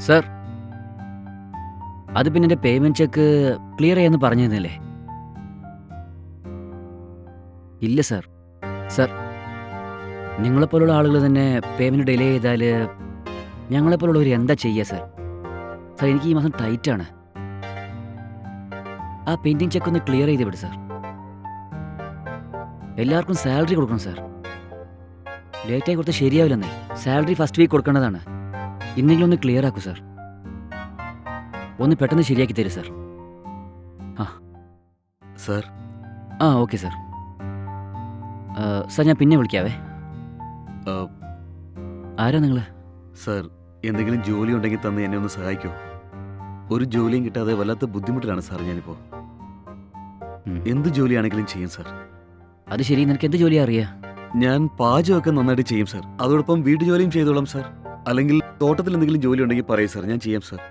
Sir, അത് പിന്നെ എൻ്റെ പേയ്മെൻറ്റ് ചെക്ക് ക്ലിയർ ചെയ്യാമെന്ന് പറഞ്ഞിരുന്നില്ലേ? ഇല്ല സർ. സർ, നിങ്ങളെപ്പോലുള്ള ആളുകൾ തന്നെ പേയ്മെൻറ്റ് ഡിലേ ചെയ്താൽ ഞങ്ങളെപ്പോലുള്ളവർ എന്താ ചെയ്യുക സർ? സർ, എനിക്ക് ഈ മാസം ടൈറ്റാണ്. ആ പെൻഡിങ് ചെക്ക് ഒന്ന് ക്ലിയർ ചെയ്ത് വിട് സർ. എല്ലാവർക്കും സാലറി കൊടുക്കണം സർ. ലേറ്റായി കൊടുത്താൽ ശരിയാവില്ലെന്നേ. സാലറി ഫസ്റ്റ് വീക്ക് കൊടുക്കേണ്ടതാണ്. ഇന്നെങ്കിലും ഒന്ന് ക്ലിയർ ആക്കൂ സർ. ഒന്ന് പെട്ടെന്ന് ശരിയാക്കി തരൂ sir. Sir. Okay sir. Sir, ഞാൻ പിന്നെ വിളിക്കാവേ. ആരാ നിങ്ങൾ? സർ, എന്തെങ്കിലും ജോലി ഉണ്ടെങ്കിൽ തന്ന് എന്നെ ഒന്ന് സഹായിക്കുമോ? ഒരു ജോലിയും കിട്ടാതെ വല്ലാത്ത ബുദ്ധിമുട്ടിലാണ് സാർ ഞാനിപ്പോൾ. എന്ത് ജോലിയാണെങ്കിലും ചെയ്യും സാർ. അത് ശരി, നിനക്ക് എന്ത് ജോലിയാ അറിയാ? ഞാൻ പാചകമൊക്കെ നന്നായിട്ട് ചെയ്യും സാർ. അതോടൊപ്പം വീട്ടു ജോലിയും ചെയ്തോളാം സാർ. അല്ലെങ്കിൽ തോട്ടത്തിൽ എന്തെങ്കിലും ജോലി ഉണ്ടെങ്കിൽ പറയൂ സാർ, ഞാൻ ചെയ്യാം സാർ.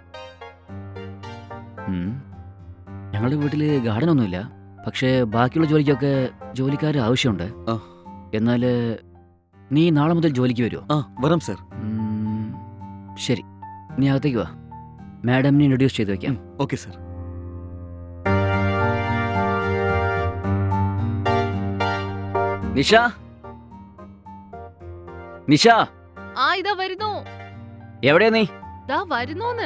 ഞങ്ങളുടെ വീട്ടിൽ ഗാർഡൻ ഒന്നുമില്ല. പക്ഷേ ബാക്കിയുള്ള ജോലിക്കൊക്കെ ജോലിക്കാർ ആവശ്യമുണ്ട്. എന്നാൽ നീ നാളെ മുതൽ ജോലിക്ക് വരുമോ? വരാം സാർ. ശരി, നീ അകത്തേക്ക് വാ. മാഡമിനെ ഇൻട്രൊഡ്യൂസ് ചെയ്ത് വെക്കാം. Okay sir. നിഷ, നിഷ. ഇതാ വരുന്നു. എവിടെയാ നീ? ദാ വരുന്നോന്ന്.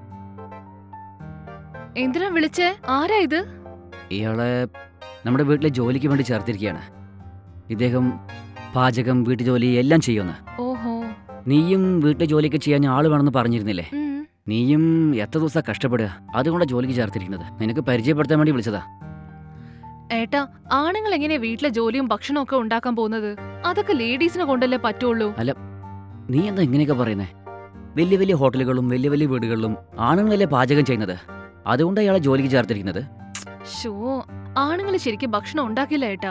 എന്തിനാ വിളിച്ചേ? ആരാ ഇത്? ഇയാളെ നമ്മുടെ വീട്ടിലെ ജോലിക്ക് വേണ്ടി ചേർത്തിരിക്കുകയാണ്. ഇദ്ദേഹം പാചകം, വീട്ടുജോലി എല്ലാം ചെയ്യുമെന്ന്. ഓഹോ. നീയും വീട്ടിലെ ജോലിയൊക്കെ ചെയ്യാൻ ആള് വേണമെന്ന് പറഞ്ഞിരുന്നില്ലേ? നീയും എത്ര ദിവസം കഷ്ടപ്പെടുക, അതുകൊണ്ടാണ് ജോലിക്ക് ചേർത്തിരിക്കുന്നത്. നിനക്ക് പരിചയപ്പെടുത്താൻ വേണ്ടി വിളിച്ചതാ. ഏട്ടാ, ആണുങ്ങൾ എങ്ങനെ വീട്ടിലെ ജോലിയും ഭക്ഷണവും ഒക്കെ ഉണ്ടാക്കാൻ പോകുന്നത്? അതൊക്കെ ലേഡീസിനെ കൊണ്ടല്ലേ പറ്റുള്ളൂ. അല്ല, നീ എന്താ ഇങ്ങനെയൊക്കെ പറയുന്നേ? വലിയ വലിയ ഹോട്ടലുകളും വലിയ വലിയ വീടുകളിലും ആണുങ്ങളല്ലേ പാചകം ചെയ്യുന്നത്. അതുകൊണ്ടാണ് ഇയാളെ ജോലിക്ക് ചേർത്തിരിക്കുന്നത്. ഷോ, ആണുങ്ങൾ ശരിക്കും ഭക്ഷണം ഉണ്ടാക്കില്ല ഏട്ടാ.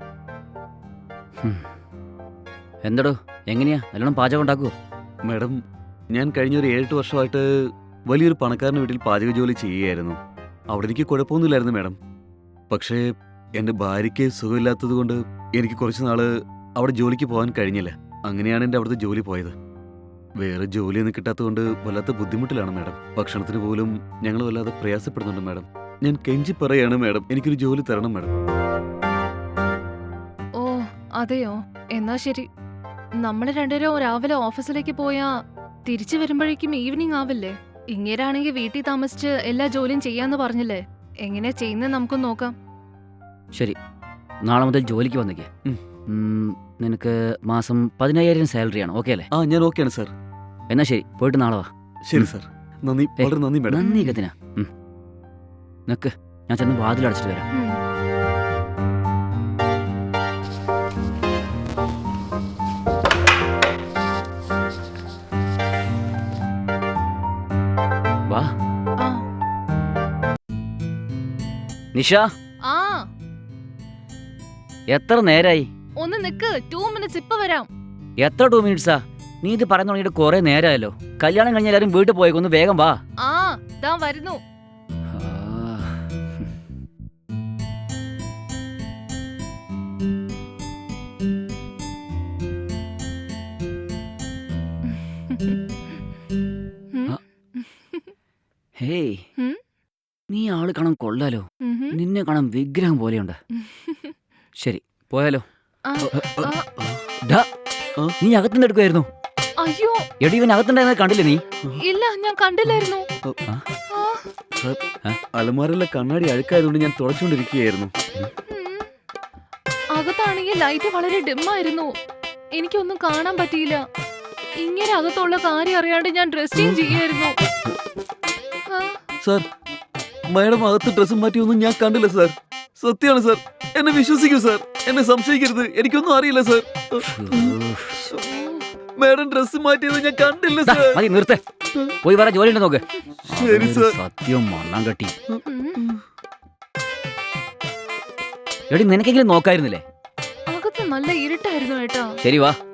എന്തടോ, എങ്ങനെയാ? നല്ലോണം പാചകം ഉണ്ടാക്കുവോ? മാഡം, ഞാൻ കഴിഞ്ഞൊരു 7-8 വർഷമായിട്ട് വലിയൊരു പണക്കാരൻ്റെ വീട്ടിൽ പാചക ജോലി ചെയ്യുകയായിരുന്നു. അവിടെ എനിക്ക് കുഴപ്പമൊന്നുമില്ലായിരുന്നു മാഡം. പക്ഷേ എൻ്റെ ഭാര്യയ്ക്ക് സുഖമില്ലാത്തത് കൊണ്ട് എനിക്ക് കുറച്ച് നാള് അവിടെ ജോലിക്ക് പോകാൻ കഴിഞ്ഞില്ല. അങ്ങനെയാണ് എൻ്റെ അവിടുത്തെ ജോലി പോയത്. വേറെ ജോലിയൊന്നും കിട്ടാത്തതുകൊണ്ട് വല്ലാത്ത ബുദ്ധിമുട്ടിലാണ് മാഡം. ഭക്ഷണത്തിന് പോലും ഞങ്ങൾ വല്ലാതെ പ്രയാസപ്പെടുന്നുണ്ട് മാഡം. ഞാൻ കെഞ്ചി പറയാണ് മാഡം, എനിക്കൊരു ജോലി തരണം മാഡം. ഓ അതെയോ? എന്നാ ശരി. നമ്മള് രണ്ടുപേരും രാവിലെ ഓഫീസിലേക്ക് പോയാ തിരിച്ചു വരുമ്പോഴേക്കും ഈവനിങ് ആവില്ലേ? ഇങ്ങേരാണെങ്കിൽ വീട്ടിൽ താമസിച്ച് എല്ലാ ജോലിയും ചെയ്യാന്ന് പറഞ്ഞില്ലേ? എങ്ങനെ ചെയ്യുന്നത് നമുക്ക് നോക്കാം. ശരി, നാളെ മുതൽ ജോലിക്ക് വന്നേക്കേ. നിനക്ക് മാസം 15,000 സാലറിയാണ്. ഓക്കെ അല്ലേ? ഞാൻ ഓക്കെയാണ് സാർ. എന്നാ ശരി, പോയിട്ട് നാളെ വാ. ശരി സാർ. നന്ദി, വളരെ നന്ദി മാഡം. നന്ദി കത്തിനാ. നിനക്ക് ഞാൻ ചെന്ന് വാതിലടച്ചിട്ട് വരാം. വാ. നിഷ, എത്ര നേരായി? ഒന്ന് നിക്ക്, 2 minutes ഇപ്പൊ വരാം. എത്ര 2 minutes? നീ ഇത് പറഞ്ഞു തുടങ്ങിയിട്ട് കുറെ നേരമായല്ലോ. കല്യാണം കഴിഞ്ഞ എല്ലാരും വീട്ടിൽ പോയേക്കൊന്ന് വേഗം വാ. ദാ വരുന്നു. ഹേയ്, നീ ആള് കാണാൻ കൊള്ളാലോ. നിന്നെ കാണാൻ വിഗ്രഹം പോലെയുണ്ട്. ശരി, പോയാലോ? നീ അകത്തുനിന്ന് എടുക്കുമായിരുന്നു. അയ്യോ, എടി, ഇവൻ അകത്തുണ്ടായിരുന്നത് കണ്ടില്ലേ നീ? ഇല്ല, ഞാൻ കണ്ടില്ലായിരുന്നു. അലമാരയിലെ കണ്ണാടി അഴുക്കായതുകൊണ്ട് ഞാൻ തുടച്ചുകൊണ്ടിരിക്കുകയായിരുന്നു. അകത്താണെങ്കിൽ ലൈറ്റ് വളരെ ഡിമ്മായിരുന്നു. എനിക്കൊന്നും കാണാൻ പറ്റിയില്ല. ഇങ്ങനെ അകത്തുള്ള കാര്യം അറിയാണ്ട് ഞാൻ ഡ്രസ് ചേഞ്ച് ചെയ്യായിരുന്നു. സാർ, മാഡം അകത്ത് ഡ്രസ്സ് മാറ്റിയൊന്നും ഞാൻ കണ്ടില്ല സാർ. സത്യമാണ് സാർ, എന്നെ വിശ്വസിക്കൂ സാർ. എന്നെ സംശയിക്കരുത്, എനിക്കൊന്നും അറിയില്ല സാർ. മാഡം ഡ്രസ്സ് മാറ്റിയത് ഞാൻ കണ്ടില്ല സാർ. മതി, നിർത്ത്. പോയി വേറെ ജോലി ഉണ്ട് നോക്ക്. ശരി സാർ. സത്യം മണ്ണം കെട്ടി. എടി, നിനക്കെങ്കിലും നോക്കായിരുന്നില്ലേ? അകത്ത് നല്ല ഇരുട്ടായിരുന്നു ഏട്ടാ. ശരി, വാ.